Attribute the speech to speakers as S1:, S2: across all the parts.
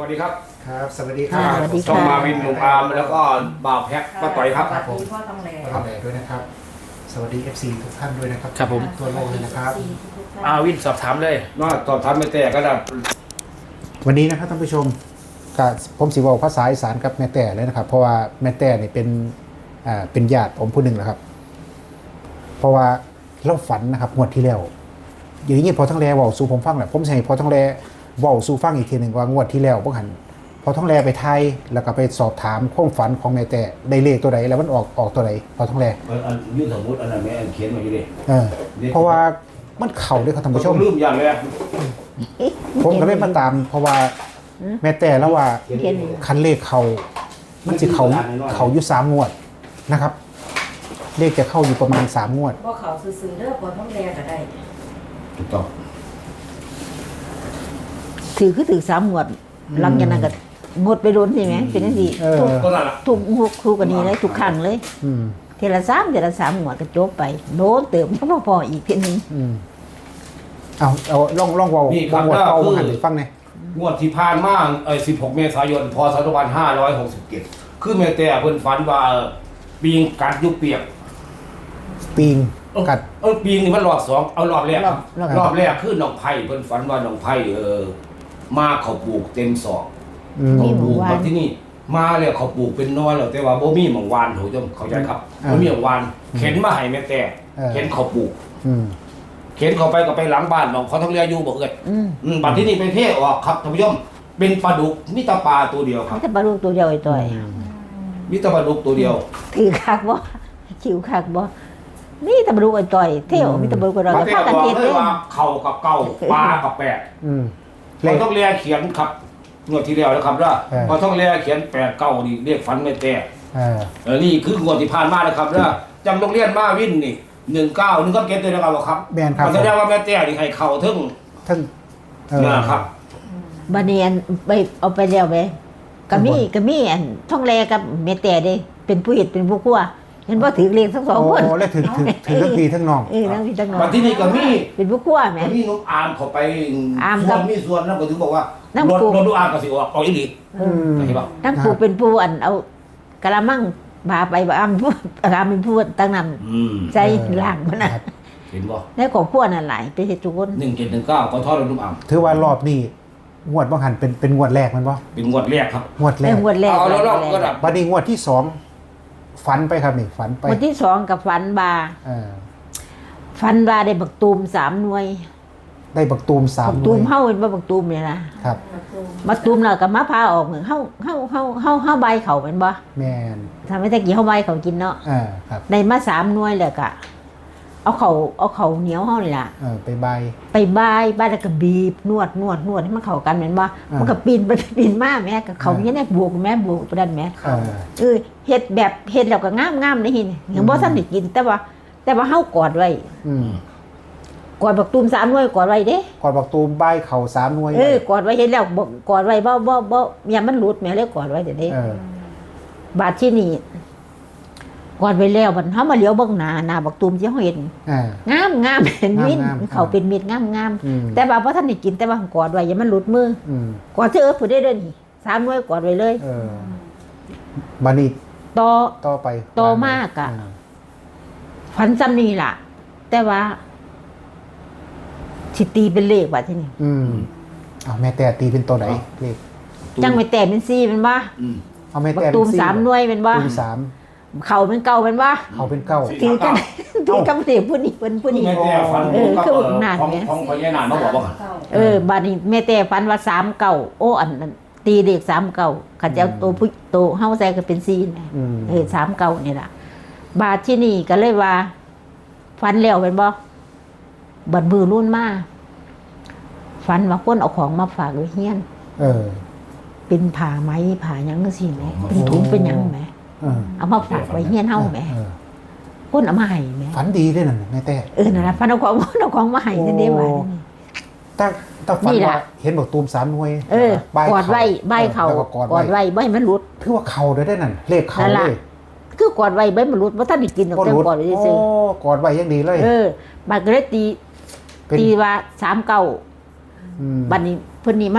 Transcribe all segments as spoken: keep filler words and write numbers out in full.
S1: วัสดีครับ
S2: ครับสวัสดีครับ
S3: สวัสดีค่ะ
S1: ต้องมาวินหนุ่มอาร์มแล้วก็บ่าวแพ็คป้าต่อยครับ
S3: ครับผมพ่อต้องแล
S2: ขอบคุณด้วยนะครับ สวัสดี เอฟ ซี ทุกท่านด้วยนะครับ
S1: ครับผม
S2: ทั่วโลกเลยนะครับ
S1: อาวินสอบถามเลยว่าสอบถามไม่แต่ก็ได้
S2: วันนี้นะครับท่านผู้ชมกับผมสิบอกภาษาอีสานกับแม่แต่เลยนะครับ เพราะว่าแม่แต่เนี่ยเป็นอ่าเป็นญาติผมผู้หนึ่งนะครับ เพราะว่าเราฝันนะครับงวดที่แล้วอย่างนี้พอทั้งแลเว่าสู่ผมฟังแหละผมใช่พอทั้งแลเว่าสู่ฟังอีกทีหนึ่งว่างวดที่แล้วพวกหันพอทั้งแลไปไทยแล้วก็ไปสอบถามความฝันของแม่แต่ได้เลขตัวใดแล้วมันออกออกตัวใดพอทั้งแล
S1: อันยืนสมมติอันนั้นแม่เขียนมาอยู่ดิ
S2: เออเพราะว่ามันเข่าด้วยครับท่านผู้ชม
S1: ลืมอย่างเลย
S2: ผมก็เลยมาตาม เพราะว่าแม่แต่แล้วว่า
S3: เขียน
S2: คันเลขเขามันจะเขาเขาอยู่สามงวดนะครับ เลขจะเข้าอยู่ประมาณสามงวด
S3: บ่เขาซื้อๆเด้อพ่อต้องแลก็ได้
S1: ถูกต้อง
S4: ถือคือถือสามหมวดหลังจากนั้นก็หมดไปโดนใช่ไหมเป็นนั่นดี
S2: เออ
S1: ก็นั่นแหละ
S4: ทุกทุกทุกกันนี้เลยทุกครั้งเลย
S2: อืม
S4: เทละสามเทละสามหมวดก็จบไปโดนเติมทั้งพออีกเพียงนึง
S2: อืมเอาเอาลองลองเวา
S1: นี่ครับ
S2: งวด
S1: ก็
S2: เก่า
S1: คือ
S2: หันไปฟังหน่อย
S1: งวดที่ผ่านมาเอ้สิบหกเมษายนพศสองพันห้าร้อยหกสิบเจ็ดคือแม่แต่เพิ่นฝันว่าปีงกัดยุบเปียก
S2: ปีง
S1: เออ
S2: กัด
S1: เออปีงนี่มันรอบสองเอารอบแรกครับ
S2: รอบรอบ
S1: รอบแรกคือน้องไผ่เพิ่นฝันว่าน้องไผ่เออมาเขาปลูกเต็มศอก
S2: อืม
S1: เขาปลูกมาที่นี่มาแล้วเขาปลูกเป็นน้อยแล้วแต่ว่าบ่มีหม่องวานโหจมเข้าใจครับ
S2: อ่า
S1: บ่มีหม่องวานเข็นมาให้แม่แต่
S2: เออ
S1: เข็นเขาปลูก
S2: อืม
S1: เข็นเขาไปก็ไปหลังบ้านน้องเขาต้องเรียอยู่บ่เอ่ย
S4: อืม
S1: อืมบัดที่นี่ไปเทออกครับท่านผู้ชมเป็นปลาดุกมีแตาปลาตัวเดียวครับ
S4: ไม่ใช่ปลาลูกตัวเดียวไอ้ต่อย
S1: มีแตาปลาดุกตัวเดียว
S4: ถือคักบ่คิวคักบ่นี่ตะบลูกไอ้ต่อยเที่ยวมีตะบลูกกับเรา
S1: มา
S4: จะ
S1: แต่
S4: พากัน
S1: บอก
S4: เฮ็ด
S1: เล
S4: เลย ย
S1: ว่าเข่ากับเก่าปลากับแปด
S2: อืมเล
S1: เขา
S2: ข
S1: ต้องเรียเขียนครับงวดที่แล้วนะครับว่า
S2: เออ
S1: พอต้องเรียเขียนแปดเก้านี่เรียกฝันแม่แต่
S2: เออ
S1: เออนี่คืองวดที่ผ่านมานะครับว่าจำโรงเรียนมาวินนี่หนึ่งเก้าหนึ่งก็เก็ตเลยนะครับครับ
S2: แบนครับ
S1: มันแสดงว่าแม่แต่นี่ให้เข่าถึง
S2: ทั้งเออ
S1: นะครับ
S4: บัดนี้อันไปเอาไปแล้วไปก็มีก็มีอันท่องแลกับเมแต่เด้เป็นผู้เฮ็ดเป็นผู้คั่วเห็นบ่ถือเลขทั้งสอง
S2: โอ้
S4: คน
S2: แล้วถึงถึงถึงทั้งพี่ทั้งน้อง
S4: เออทั้งพี่ทั้งน้อง
S1: บัดที่นี่ก็มี
S4: เป็นผู้คั่วแหม
S1: ก็มีน้องอาร์มเขาไป
S4: อาร์ม
S1: ส่
S4: กั
S1: ว
S4: บ
S1: นมีส่วนนั่นก็ถึงบอกว่า
S4: น้ำ
S1: รถ
S4: ปู
S1: รถดูอาร์มก็สิออกออกอีหลี
S2: อืม
S1: เห็นป่ะ
S4: ทั้งผู้เป็นผู้อันเอากะละมังพาไปบ่อ้ำผู้กะเป็นผู้ตั้งนำ
S1: อืม
S4: ใจล่างมันน่ะ
S2: ครับ
S1: เห็นป่ะ
S4: ในครอบครัวนั่นหลายไปเฮ็ดทุกคน
S1: หนึ่งเจ็ดหนึ่งเก้าก็ทอดรถดูอาร์ม
S2: ถือว่ารอบนี้งวดบางหันเป็นเป็นงวดแรกมันบ่
S1: เป็นงวดแรกครับ
S2: งวดแร
S4: ใน
S2: ก
S4: งวดแรก
S1: เอาแล้วรอบก็
S4: แร
S1: ดั
S4: ก
S1: บ
S2: บัดนี้งวดที่สองฝันไปครับนี่ฝันไป
S4: งวดที่สองกับฝันบา
S2: เออ
S4: ฝันบาได้บักตูมสามหน่วย
S2: ได้บักตูมสาม
S4: บัก
S2: ห
S4: ตู
S2: น่วย
S4: มเฮาเป็นบ่บักตูมเนี่ยนะครับ บักตูมแล้วก็มาพาออกเหมือนเฮาเฮาเฮาเฮาเฮาใบเขาเป็นบ่
S2: แมน
S4: ทำให้ตะกี้เฮาใบเขากินเนาะ
S2: เออครับ
S4: ได้มาสามหน่วยแล้วก็เอาเขาเอาเขาเหนียวเฮานี่ล่ะ
S2: เออไปใบาย
S4: ไปบายบายแล้วก็บีบนวดนวดนวดให้มันเข้ากันแม่นบ่
S2: อ่ามั
S4: มันก็ปีนไปปีนมาแม่ก็เขาเนี่ยได้บวกแม่บวกไปดันแม่
S2: เออ
S4: เออเฮ็ดแบบเฮ็ดแล้วก็งามๆได้หินยังบ่ทันได้กิน แต่ว่า แต่ว่าเฮากอดไว้
S2: อืม
S4: กอดบักตูมสามหน่วยกอดไว้เด้
S2: ก่อนบักตูมใบายเข่าสามหน่วย
S4: เออกอดไว้เฮ็ดแล้วบ่กอดไว้บ่บ่บ่อย่ามันหลุดแม่เลยกอดไว้เดี๋ยวนี้
S2: เออบ
S4: าดที่นี่กอดไว้แล้วบัดเฮามาเหลียวเบิ่งหน้าหน้าบักตูมที่เฮาเห็น
S2: เออง
S4: ามงามเห็นมิน
S2: งามๆ
S4: เขาเป็นมิดงามงาม
S2: อืม
S4: แต่ว่าบ่ทันได้กินแต่ว่ากอดไว้อย่ามันหลุดมือ
S2: อืม
S4: กอดเถอะผู้ใดเด้อนี่สามหน่วยกอดไว้เลย
S2: เออบัดนี้
S4: ต่อ
S2: ต่อไป
S4: ต่อมากอะ
S2: เ
S4: ฝันซ้ำนี่ล่ะ แต่ว่าสิตีเป็นเลขว่าที่นี่
S2: อืมเอาแม่แต่ตีเป็นตัวไหนเลข
S4: จังไปแต่เป็นสี่เป็นว่า
S1: อืม
S2: เอาแม่
S4: บัก
S2: แต่
S4: ตูม
S2: เป็น
S4: สามหน่วยเป็นว่า
S2: ตูมสาม
S4: เขาเป็นเก่าเป็นว่า
S2: เขาเป็นเก้า
S4: ตีกันตีกันเสียผู้นี้เป็นผู้นี้
S1: แม่แต่ฝัน
S4: เออ
S1: กับ
S4: คือ
S1: เอ่อ
S4: หนาด
S1: ของ
S4: ไง
S1: ของพญานานมาบอกว่า
S4: เออบาดนี้แม่แต่ฝันว่าสามเก่าโอ้อันนั้นตีเด็กสามเก่าขัดเจ้าตัวผู้โตเฮาใส่ก็เป็นสี่นะ
S2: อืม
S4: เออสามเก่านี่ล่ะ บาดที่นี่ก็เลยว่าฝันแล้วเป็นบ่บัดมือรุ่นมาฝันว่าคนเอาของมาฝากไว้เฮียน
S2: เออ
S4: เป็นผ่าไหมผ่าหยังจังซี่แหมเป็นถุงเป็นหยังแหม
S2: เออ
S4: เอามาฝากไว้เฮียนเฮาแหม
S2: เออ
S4: คนเอามาให้แหม
S2: ฝันดีด้วยนั่นแม่แต่
S4: เออนั่นล่ะฝันเอาของเอาของมาให้นั่นเด้ว่า
S2: ตั้งตั้งฝัน
S4: นี่ล่ะ
S2: ว่าเห็นบอกตูมสามหน่วย
S4: เออ
S2: ใบ
S4: กอดไว้ใบเขา
S2: แล้วก็กอด
S4: กอด
S2: ไว้
S4: ไว้ใบมันหลุด
S2: ถือว่าเขาได้ได้นั่นเลขเขา
S4: นั่น
S2: เล
S4: ล่ะ
S2: ย
S4: คือกอดไว้ใบมันหลุดบ่ทันได้กินดอก
S2: ก็
S4: แต่
S2: รู้
S4: กอดไว้
S2: โอ้
S4: ซื่อก
S2: อดไว้ยังดีเลย
S4: เออบัดก็เลยตี
S2: เป็น
S4: ตีว่าสามเก้า
S2: อืม
S4: บัดนี้เพิ่นนี่มา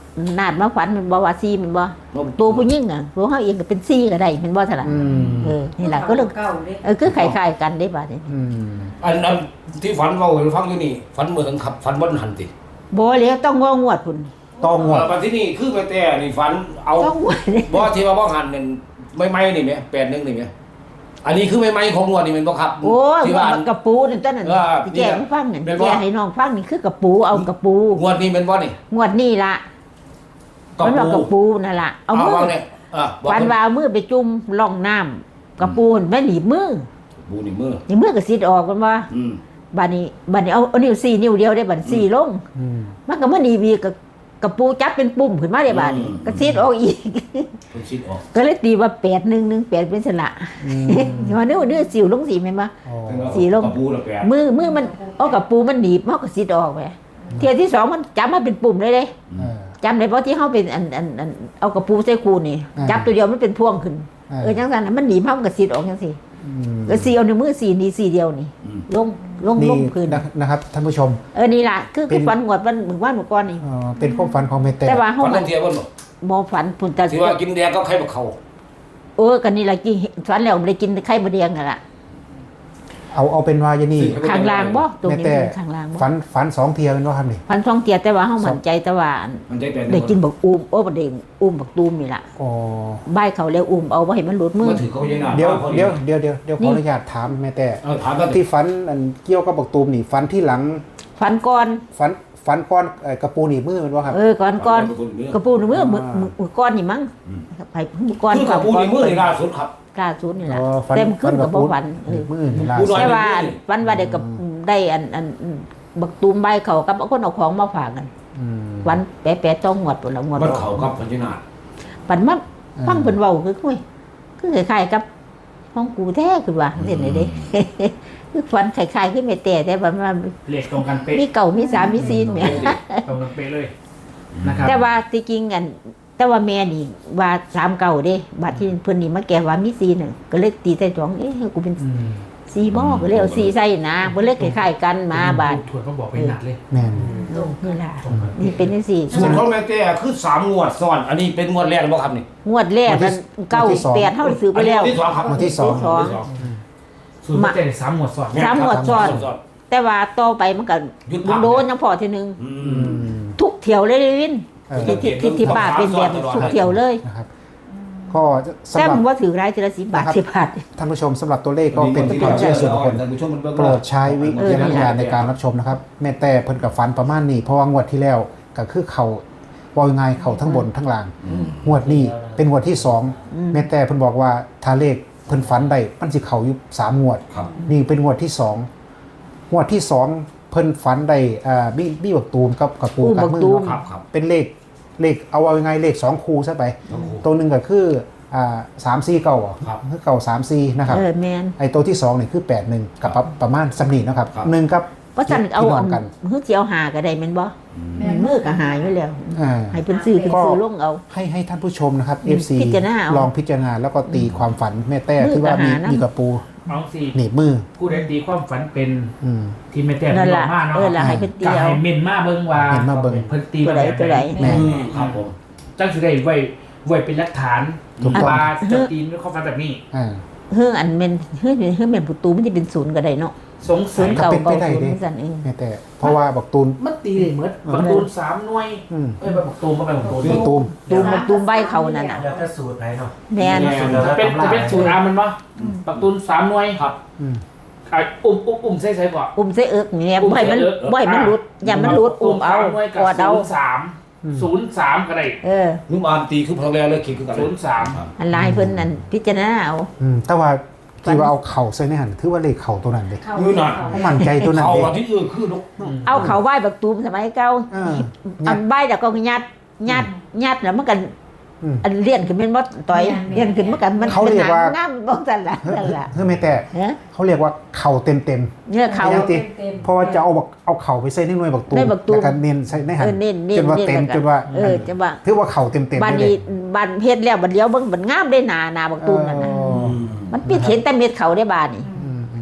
S4: นาดมาฝันมันบ่ว่าซีมันบ่ตัวผู้หญิงอ่ะตัวเฮาเองก็เป็นซีก็ได้แมันบ่ซั่นล่ะ
S2: อืม
S4: เออนี่ล่ะก็เลย
S3: เก่าเด้
S4: เออคือคล้ายๆกันได้บาดนี้
S2: อืม
S1: อันอันที่ฝันเว้าให้ฟังอยู่นี่ฝันเหมือนขับฝันบ่หันติ
S4: บ่แล้วต้องว่างวดพุ่น
S2: ต้องงวด
S1: มาที่นี่คือแม่แต่นี่ฝันเอา
S4: ต้องงวด
S1: บ่ที่ว่าบ่หันนั่นไม่ไม่นี่แม่แปดหนึ่งนี่แม่อันนี้คือไม่ไม่ของงวดนี่แม่นบ่ครับ
S4: โอ้ย
S1: ที่ว่า
S4: มันกระปูนั่นต้นนั่น
S1: เออ
S4: ที่แกให้ฟังนั่น
S1: เป็นบ่
S4: แกให้น้องฟังนี่คือกระปูเอากระปู
S1: งวดนี้แม่นบ่นี่
S4: งวดนี้ล่ะมันว่ากระปูนั่นล่ะเอามือ
S1: ว่าเนี่ยอ่ะบอก
S4: ฟันว่าเอามือไปจุ่มร่องน้ำกระปูนแม่หนีบมือ
S1: บูนี่มือ
S4: นี่มือก็สิดออกกันว่า
S1: อืม
S4: บัดนี้บัดนี้เอาเอานิ้วสี่นิ้วเดียวได้บัดสี่ลง
S2: อืม
S4: มันก็มาหนีบีกับกระปูจับเป็นปุ่มขึ้นมาได้บัดนี้ก็สิดออกอีก
S1: เพิ่นคิดออก
S4: ก็เลยตีว่าแปดหนึ่งหนึ่งแปดเป็นสละ
S2: อืม
S4: ว่าเนื้อเนื้อสิวลงสีไหมนบ่
S2: อ๋อ
S4: สีลง
S1: กระปูละแปด
S4: มือมือมันเอากับปูมันหนีบมันก็สิดออกไปเทียที่สองมันจับมาเป็นปุ่มเลยเลย
S2: เออ
S4: จำได้เพราะที่เขาเป็นอันอันอันเอากับปูใส่คูนี่
S2: อ่า
S4: จับตัวเดียวมันเป็นพวงขึ้น
S2: อ่า
S4: เออจังสันน่ะมันหนีบมันก็สิดออกจังสิ
S2: อืม
S4: ก็สีเอาในมือสีนี่สีเดียวนี่
S1: อืม
S4: ลงลง
S2: นี่
S4: ลงพื้น
S2: นะนะครับท่านผู้ชม
S4: เออนี่ล่ะคือ
S2: เป็
S4: คือน ฝันหวดวันหมึงว่านหมึงก้อนนี่
S2: เอ่อเป็นความฝันของแม่แต่
S4: แต่ว่าเขา
S1: ฝัน
S4: มั
S1: ต้อน งเทียบบ่บ่
S4: มองฝันพุ่นแต่
S1: ที่ว่ากินแดงก็ไข่บักเขา
S4: เออกันนี่ล่ะกินฝันแล้วไม่ได้กินไข่บะเดียงนั่นล่ะ
S2: เอาเอาเป็นว่าอยางนี่
S4: ข้างล่างบ่ตรง
S2: แม่
S4: นี้
S2: แต่
S4: เป็นข้างล่างบ่
S2: ฝันฝันสองเทียเป็นว่าครับนี่
S4: พันช่องเตียแต่ว่าเฮามั่นใจแต่ว่า
S1: มันใจแปด
S4: ได้กินบักอูมโอ้บักเด้งอุ้มบักตูมนี่ล่ะ
S2: อ๋อ
S4: บ้ายเขาแล้วอุ้มเอาบ่ให้มันหลุดมือ
S1: มันถือเขายังหน้า
S2: เดี๋ยว
S1: ขา
S2: เดี๋ยวเดี๋ยวเดี๋ยวเดี๋ยวข
S4: นี่
S2: ออนุญาตถามแม่แต่
S1: เออถามกัน
S2: ที่ฝันอันเกี่ยวกับบักตูมนี่ฝันที่หลัง
S4: ฟันก่อน
S2: ฝันฝันก้อนเอ่อกระปูหนีบมือเป็นว่าครับ
S4: เออก่อนก่อนกระปูนมือมือมือมือก้อนนี่มั้งไปมือก้อน
S1: คือกระปูนี่มือนี่ล่าสุดครับ
S4: กล้าสุดนี่ล่ะ
S2: อ๋อฝัน
S4: เต็มขึ้นกับบ่ฝัน
S2: ห
S4: เอ
S2: นี
S4: อบ
S2: มือนี่ล่า
S1: ผู้
S2: สุ
S1: น้
S2: ด
S1: อย
S4: แต่ว่าฝันว่าได้กับได้อันอันบักตูมใบายเขากับคนเอาของมาฝากกัน
S2: อืม
S4: วันแปะๆต้องงวดพุ่นละงวด
S1: มันเขากับพันธินา
S4: ปันมา
S2: อืม
S4: ฟังเพิ่นเว้าคือคุยคือคล้ายๆกับห้องกูแท้คือว่าเห็นได้เด้ คือฝันคล้ายๆคือแม่แต่แต่ว่ามัน
S5: เลขตรงกันเป๊ะ
S4: มีเก่ามีสามมีซีนแหม่
S5: ตรงกันเป๊ะเลยนะครับ
S4: แต่ว่าที่จริงอันแต่ว่าแม่นี่ว่าสามเก่าเด้บัดที่เพิ่นนี่มาแก่ว่ามีซีนน่ะก็เลยตีใส่จ้องเอ๊ะกูเป็น
S5: อืม
S4: ซีบ่ก็เลยเอาซีใส่นะเพิ่นเลยคล้ายๆกันมาบาด
S5: ถวดก็บอกไปหนักเลย
S2: แม่น
S4: โอ้นี่ล่ะนี่เป็นจังซี่
S1: ส่วนของแม่แต่คือสามงวดซ้อน อันนี้เป็นงวดแรกบ่ครับนี่
S4: งวดแรกมันเก้าแปดเฮาซื้อไปแล้ว
S1: นนี้ที่สองครับ
S2: วันที่สอง
S4: สอง
S5: สูตรไม่ใจสามหมวดสอด
S4: สามงวดซ้อน
S1: ซ้อน
S4: แต่ว่าต่อไปมันก็
S1: หยุดพัก
S4: โดนยังพอทีนึง
S1: อื
S2: อื
S1: ม
S2: ม
S4: ทุกเที่ยวเลยเลยวิน
S2: เออ
S4: ที่ที่ที่ที่ป้าเป็นแบบทุกเที่ยวเลย
S2: นะครับ ก็สำ
S4: แต่
S2: หรับ
S4: มันว่าถือรายทีละสิบบาท
S2: นะครับ
S4: สิบบาท
S2: ท่านผู้ชมสำหรับตัวเลขก็เป็นความเชื่อส่วนบุคคล
S1: ท่านผู้ชมมันเบิ่ง
S2: โปรดใช้วิจารณญาณในการรับชมนะครับ แม่แต่เพิ่นกับฟันประมาณนี้เพราะว่างวดที่แล้วก็คือเขาปล่อยงายเขาทั้งบนทั้งล่าง
S1: อืม
S2: งวดนี้เป็นงวดที่สอง
S4: อืม
S2: แม่แต่เพิ่นบอกว่าถ้าเลขเพิ่นฝันได้มันสิเขาอยู่สามงวด
S1: ครับ
S2: นี่เป็นงวดที่สองงวดที่สองเพิ่นฝันได้อ่าบี้บี้บักตูมกับกับปู
S4: อู้
S2: กับ
S4: บัก
S2: มือ
S4: ตูม
S2: เนาะ
S1: ครับครับ
S2: เป็นเลขเลขเอาเอายังไงเลขสองคูซะไป
S1: ต้องคู่
S2: ตัวหนึ่งก็คืออ่าสามสี่เก่าอ่ะ
S1: ครับ
S2: คือเก่าสามสี่นะครับ
S4: เออแมน
S2: ไอตัวที่สองนี่คือแปดหนึ่งกับประประมาณสำนีนะครับ
S1: ครับ
S2: หนึ่งกับ
S4: เพราะฉันเอา
S2: ที่น้
S4: อั
S2: อง
S4: น
S2: กัน
S4: มือเจียวหาก็ได้แม่นบ่มือก็หาอยู่แล้ว
S2: อ่า
S4: ให้เพิ่นซื้อเพิ่นซื้อลงเอา
S2: ให้ให้ท่านผู้ชมนะครับ
S4: อืม
S2: เอฟ ซี
S4: พิจารณาเอา
S2: ลองพิจารณาแล้วก็ตีความฝันแม่แต่
S4: มือ
S2: ที่ว่ามี
S4: กับหานะ
S2: มีกระปู
S5: น้องสี่
S2: หนีบมือ
S5: ผู้ใดตีความฝันเป็น
S2: อืม
S5: ที่ไม่แต่
S4: นั่น
S5: บอ
S4: ล่ะ
S5: กมาเนาะ
S4: เออล่ะให้เพิ่นตี
S5: กา
S4: เอา
S5: ให้เมนมาเบิ่งว่า
S2: เมนมาเบิ่ง
S5: เพิ่นตี
S4: ตัวใดตัวใด
S2: แม่
S1: อืมครับผม
S5: จังสิได้ไว้ไว้เป็นหลักฐาน
S2: ถูกต้อง
S5: ว่าจะตีนด้วยความฝันแบบนี้
S2: อ่า
S4: เฮืออันแม่นเฮือเฮือแม่นประตูมันจะเป็นศูนย์ก็ได้เนาะ
S5: สง
S4: ศู
S5: สั
S4: น
S5: ย
S4: ย์เก่า
S2: เป็นไป
S4: เก่า
S2: ได้
S4: ศูนย์
S2: เด้
S4: จังซั่นเอง
S2: แม่แต่เพราะว่าบักตูน
S5: มันตีได้เหมือนประตูนสามหน่วย
S2: อืม
S5: เอ้ยประตูนก็ไปประตูน
S2: บักตูม
S4: ตูมตูมใบเขานั่นน่ะ
S6: แล้วถ้าสูตรไหนเนาะ
S4: แม่น
S5: จะเป็นจะเป็นสูตรอามันปะประตูนสามหน่วย
S1: ครับ
S2: อืม
S5: อ่ะอุ้มอุ้มอุ้มใส่ใส่ก่อน
S4: อุ้มใส่เอิกนี่แหละ
S5: อุ้ม
S4: บ่ให้มัน
S5: ใส่เอิก
S4: บ่ให้มันหลุดอย่ามันหลุดอุ้มเอา
S5: สหน่วย
S4: กอดเอา
S5: ศูนย์สามศูนย์สามก็ได้
S4: เออ
S1: นุ่มอามตีคือพลังแรงเลยคิดคือกัน
S5: ศูนย์สาม
S1: ครับ
S4: อันลายเพิ่นนั่นพิจารณาเอา
S2: อืมแต่ว่าที่ว่าเอาเข่าใส่ในหันถือว่าเลขเข่าตัวนั้นเลย
S3: เข้า
S1: มือหน่อย
S2: เพราะมั่นใจตัวนั้น
S1: เขา
S2: เลย
S1: ว่าที่อื่นคือลูก
S4: เอาเขาไหว้บักตูมสมัยเก่า
S2: เออ
S4: อันใบแต่ก็ยัดยัดยัดแล้วมันกัน
S2: อืม
S4: อันเลี้ยนขึ้นเป็นบ่ต่อยเลี้ยนขึ้นมันกันมัน
S2: เขาเรียกว่า
S4: งามบ่ซั่นล่ะนั่นล่ะ
S2: เฮ้ยแม่แต่
S4: เฮ้ย
S2: เขาเรียกว่าเข่าเต็มเต็ม
S4: เนี่ยเขา
S2: ไม่
S3: เต็ม
S2: เพราะว่าจะเอาบักเอาเข่าไปใส่ในหน่วยบักตูม
S4: ในบักตูม
S2: แล้วก็เน้นใส่ในหัน
S4: เออเน้นเน้น
S2: จนว่าเต็ม
S4: เน้น
S2: จนว่า
S4: เออจะว่า
S2: ถือว่าเข่าเต็มเต็ม
S4: บ้าน
S2: เล
S4: นี้
S2: ย
S4: บ้านเฮ็ดแล้วบัดเดียวเบิ่งมันงามได้หนาหนาบักตูมนั่นน่ะ
S2: อ๋อ
S4: มันปิดเห็นแต่เม็ดเขาได้บ้านนี่
S2: อืมอืม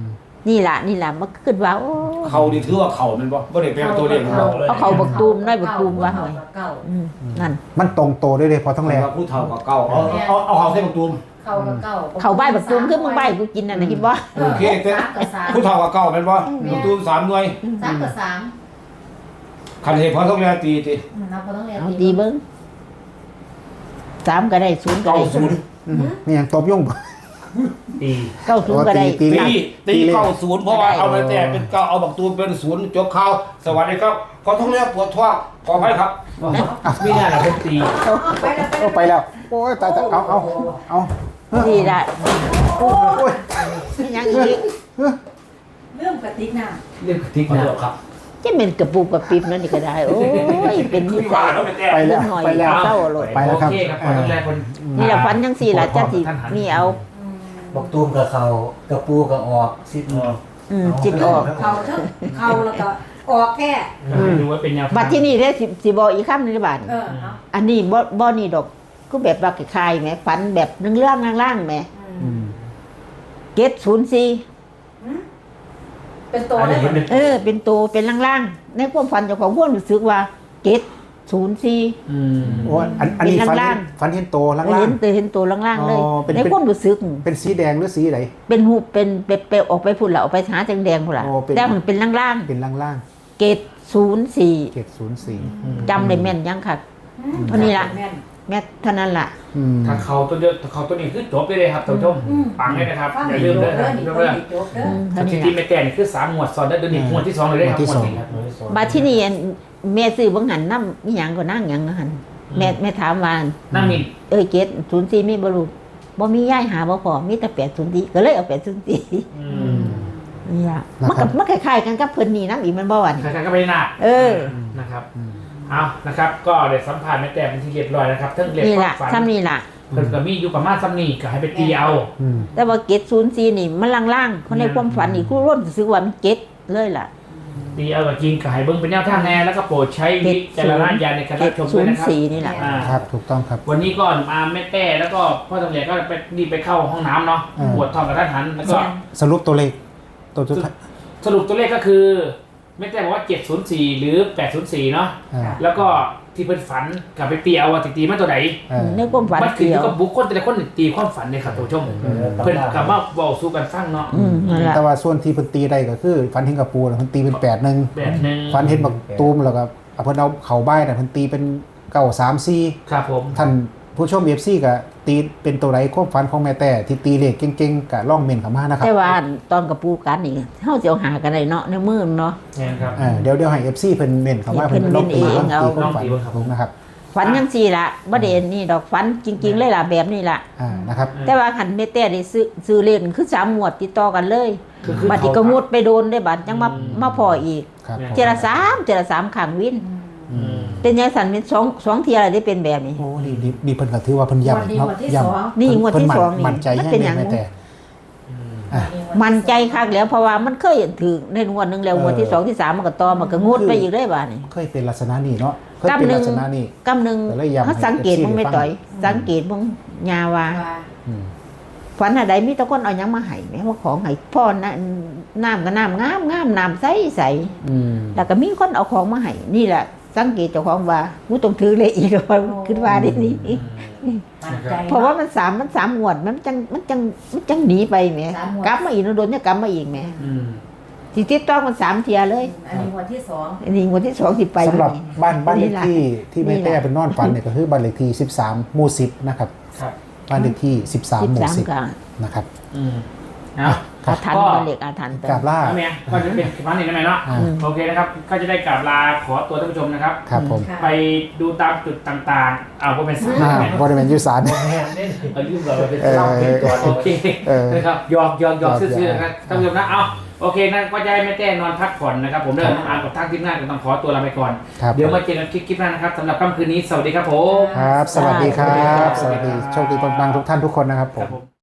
S4: นี่ล่ะนี่ล่ะมันขึ้นว่าโอ้
S1: เขาดีถือว่าเขามันบ่บ่ได้แปลตัวเลขของเรา
S4: เอาเขาบักตูมได้บักตูมว่าหน่อย
S3: เก่า
S4: อืมนั่น
S2: มันตรงโตได้เลยพอทั้งแล
S1: ว่าผู้เฒ่ากับเก่าเอาเอาเอาเขาใส่ประตูม
S3: เก่ากับเก่า
S4: เขาใบบักตูมคือมึงใบกูกินน่ะนะคิดบ่
S1: โอเคแต่
S3: สามกับสาม
S1: ผู้เฒ่ากับเก่าเป็นบ่ประตูมสามหน่วย
S3: สามกับสาม
S1: คันเหตุพอต้องแลตีติ
S3: อืมเราพอต้องเรียน
S4: เอาตีเบิ่งสามก็ได้ศูนย์ก็
S1: เก้า
S4: ได้
S1: ศูนย์
S2: อืมนี่ยังตบยุ่ง
S5: ตี
S4: เก้าศูนย์ก็ได้
S2: ตี
S1: ตีตีเก้าศูนย์เพราะว่าเอาไปแต่เป็นเก้าเอาบักตูมเป็นศูนย์จบข่าวสวัสดีครับขอท้องเรียปวดท้องขออภัยครับ
S5: ไม่น่าเราเป็นตี
S3: ไปแล้ว
S2: โอ้ไปแล้วโอ้ยตายตายเอาเอาเอา
S4: นี่ล่ะ
S2: โอ้ย
S4: นี่ยังอีก
S3: เรื่องกระติกน้
S5: เรื่องทิก
S1: ขอ
S5: นะ
S1: โทษครับ
S4: จะเป็นกระปุกกระปิบนั่นนี่ก็ได้โอ้ยเป็นนิสัย
S2: ไปแล้ว
S4: หน่อย
S2: ไปแล้ว
S4: เศร้าโลด
S2: ไปแล้วครับ
S5: โอเคครับคนแรกคน
S4: นี่ล่ะฝันจังซี่ล่ะจังสิมีเอา
S3: ำ
S6: บอกตูมกับเขากระปูกับออกซิดออก
S4: อืมจิตออก
S3: เขาทั้งเขาแล้วก็ออกแค่
S5: ดูว่าเป็นแนว
S4: บัดที่นี่ได้สิสิบอกอีกคำหนึงในบ้าน
S3: เออเนาะ
S4: อันนี้บ่บ่นี่ดอกก็แบบว่าคล้ายๆแหมฝันแบบเรื่องๆล่างๆแหม
S2: อืม
S4: เกตศูนย์สี่
S3: เป็นตัว
S5: อัน
S3: ได้
S5: นี้
S3: หมด
S5: เป็น
S4: เออ เป็นตัวเป็นล่างๆในความฝันเจ้าของพวกรู้สึกว่าเกตศูนย์สี่
S5: อืม
S2: โอ้ยอันอันนี้
S4: เป็น
S2: ฟัน
S4: ล่า
S2: เห็
S4: ง
S2: นฟันเห็นโตล่าง
S4: เห็นตัวเห็นตัวล่างๆเลย
S2: อ๋อเป็น
S4: ในความรู้สึก
S2: ๆเป็นสีแดงหรือสีไหน
S4: เป็นหูปเป็นเป็นเป็นออกไปพุ่นละออกไปหาแดงๆพุ่นละ
S2: อ๋อเป็น
S4: แต่มันเป็นล่าง
S2: เป็นล่าง
S4: ๆเกตศูนย์สี่
S2: ๆเจ็ดศูนย์สี่
S4: จำได้แม่นยังค่ะ เท่านี้ล่ะ
S3: แม่น
S4: แม่เท่านั้นล่ะ
S2: อืม
S5: ถ้าเขาตัวเดียวถ้าเขาตัวนี้คือจบได้เลยครับท่านผู้ชม
S3: อืม
S5: ปังเลยนะครับ
S3: ฟัง
S5: อย่า
S3: ให้
S5: ลืม
S3: จ
S5: เล
S3: บ
S5: ย
S3: เด้อ
S5: นะ
S3: นี่
S5: ทุก
S3: คน
S5: เรื่อง
S3: ที่จบเด้อ
S4: อืม
S5: ส
S4: เท่า
S5: ถิ
S4: นี้
S5: ติ
S4: ล่ะ
S5: ไม่แต่นี่คือสามหมวดซ้อนได้เดือนนี้หมวดที่สองเลยได้ครับหมวดนี้ครับ
S4: บาที่นี่อันแม่ซื้อบังหันน้ำมีหยังก็นั่งหยังนะหันแม่แม่ถามว่า
S5: นั่งมิน
S4: เอ้ยเกตศูนย์สี่มีบรูบ่มีย่ายหาบ่พอมีแต่แปดศูนย์สี่ก็เลยเอาแปดศูนย์สี่
S5: อื
S2: อื
S5: ม
S2: ม
S4: นี่ล่ะมันก็มันคล้ายๆกันกับเพิ่นนี่น้ำอีกมันบ่หวาน
S5: ใครๆก็ไม่ได้หนัก
S4: เออ
S5: นะครับ
S2: อืม
S5: เอานะครับ ก็เดี๋ยวสัมผัสแม่แต่เป็นที่เรียบร้อยนะครับทั้งเรียบ
S4: นี่
S5: ควา
S4: ล่ะ
S5: มฝัน
S4: ซ้ำนี่ล่ะ
S5: เพิ่นก็มีอยู่ประมาณซ้ำนี่ก็ให้ไปตีเอา
S2: อืม
S4: แต่ว่าเกตศูนย์สี่นี่มันล่างๆคนในความฝันนี่คู่ร่วมรู้สึกว่ามันเกตเลยล่ะ
S5: ตีเอากับจริงก็ให้เบิ่งเป็นแนวทางแน่แล้วก็โปรดใช้วิจารณญาณในการ
S4: เก
S5: รับ
S4: ต
S5: ชม
S4: ศู
S5: ด้วย
S4: นย์
S5: นะครับ
S4: สี่นี่ล่ะ
S5: อ่า
S2: ครับถูกต้องครับ
S5: วันนี้ก่อนมาแม่แต่แล้วก็พ่อตำรวจก็ไปรีบไปเข้าห้องน้ำเนาะ
S2: อ่า
S5: ปวดท้องกับท่านหันแล้วก็
S2: สรุปตัวเลขตัวสุดท้าย
S5: สรุปตัวเลขก็คือแม่แต่บอกว่าเจ็ดศูนย์สี่หรือแปดศูนย์สี่เนาะ
S2: อ่า
S5: แล้วก็ที่เพิ่นฝันกับไปตีเอาว่าตีมาตัวไหน
S2: อ่า
S4: ในความฝัน
S5: มันขึ้น
S4: เดี
S5: อย ยู่
S4: ว
S5: กับบุคคลแต่ละคนตีความฝันเนี่ยครับท่านผู้ชมเพิ่นกลับมาบอกสู้กันฟังเนาะ
S4: อืมนั่นล่ะ
S2: แต่ว่าส่วนที่เพิ่นตีได้ก็คือฟันเห็นกับปูน่ะเพิ่นตีเป็นแปดหนึ่ง
S5: แบบหนึง
S2: ฟันเห็นบักตูมแล้วก็เอาเพิ่นเอาเข่าใบ้น่ะเพิ่นตีเป็นเก้าสามสี่
S5: ครับผม
S2: ท่านผู้ชม เอฟ ซี ก็ตีเป็นตัวไรความฝันของแม่แต่ที่ตีเลขเก่งๆก็ล่องเมนเข้ามานะครับ
S4: แต่ว่าตอนกับปูกันนี่เฮาสิเอาหากันได้เนาะในมือเนาะ
S5: เนี่ยครับ
S2: อ่าเดี๋ยวเดี๋ยวให้ เอฟ ซี เพิ่นเมนเข้ามา
S4: เพิ่
S2: เพิ่น
S4: น
S2: ลองตี
S4: เมนเองเอา
S2: ตีความฝัน
S5: ลองตีเบิ่งครับ
S2: ผมนะครับ
S4: ฝันจังซี่ล่ะบ่ได้นี่ดอกฝันจริง ๆ เลยล่ะแบบนี้ล่ะ
S2: อ่านะครับ
S4: แต่ว่าคันแม่แต่ได้ซื้อซื้อเล่นคือสามงวดติดต่อกันเลย
S5: คือคือ
S4: บัดนี้ก็งดไปโดนได้บัดยังมามาพออีก
S2: ครับ
S5: เนี่ย
S2: ผม
S4: เจอละสามเจอละสามขังวิน
S2: อืม
S4: เป็นยังสันเป็นสองสองเทียอะไรได้เป็นแบบนี้
S2: โอ้ดีดีดีเพิ่นก็ถือว่าเพิ่นย้ำเนาะย้ำ
S4: นี่งวดที่
S2: เพิ่
S4: สองนี่
S2: มั่นใจ
S4: มัน
S2: ให้
S4: เป็นหยัง
S2: แม่แต่ อ่ะ
S4: มันใจคักแล้วเพราะว่ามันเคยถือในงวดหนึงแล้ว
S2: เออ
S4: งวดที่สองที่สามมันก็ต่อมันก็งดไปอีกได้บ้านี่
S2: เคยเป็นลักษณะนี้เนาะเคยเป็น
S4: กำหนึ่ง
S2: ลักษณะนี้
S4: กำหนึ่ง
S2: แต่ละอย่าง
S4: เขาสังเกต
S2: ให้
S4: มึงไม่
S2: ฟัง
S4: ต่อย สังเกตมึงยาว่า
S2: อืม
S4: ฝันอะไรมีแตะก้นเอาหยังมาให้แม่ว่าของให้พ่อนะน้ำก็น้ำงามงามน้ำใสใส
S2: อืม
S4: แล้วก็มีคนเอาของมาให้นี่แหละสังเกตเจ้าของว่ากูต้องถือเลยอีกว่าคิดว่าได้นี่ เพราะว่ามันสามมันสามงวดมันจังมันจังมันจังหนีไปแหม
S3: สามงวด
S4: กลับมาอีกโดนเนี่ยกลับมาอีกแหม
S5: อืม
S4: สิติดต้องมันสามเทียเลย
S3: อันนี้วันที่สอง
S4: อันนี้งวดที่สองสิไป
S2: สำหรับบ้านบ้านเลข
S4: ล่ะ
S2: ที่ที่แม่
S4: นี่
S2: แต่
S4: ล่ะ
S2: เป็นนอนฝันเนี่ยก็คือบ้านเลขที่สิบสามหมู่สิบนะครับ
S5: ครับ
S2: บ้านเลขที่สิบสาม
S4: สิบ
S2: หมู่
S4: สาม
S2: สิบ
S4: กับ
S2: นะครับ
S5: อืมเอา
S4: อาถรรพ์
S5: ก็
S4: ก็เล็กอาถรรพ์เติ
S2: กราบ
S4: ม
S2: ล่า
S5: เอาเมียก็จะเป็นครั้งนี้ได้ไหมเนาะ
S2: อ่า
S5: โอเคนะครับ ก็จะได้กราบลาขอตัวท่านผู้ชมนะครับ
S2: ครับผม
S3: ค่ะ
S5: ไปดูตามจุดต่างๆ เอาก็เป็นสาย
S2: อ่าบริเวณยุสาน
S5: เอายุ่งกับเราเป็นเล่าเป็นก่อนโอเค
S2: เออ
S5: นะครับหยอกหยอกหยอก
S2: หยอก
S5: ซื่อๆนะครับท่านผู้ชมนะเอาโอเคนั่นก็จะให้แม่แจ้นอนพักผ่อนนะครับ ผมเดินอ่านกับทางทีมงานก็ต้องขอตัวลาไปก่อน
S2: ครับ
S5: เดี๋ยวมาเจอกันคลิปหน้านะครับสำหรับค่ำคืนนี้สวัสดีครับผม
S2: ครับ สวัสดีครับ สวัสดีโชคดีปังๆทุกท่านทุกคนนะครับผ
S5: ครั
S2: ม
S5: บผม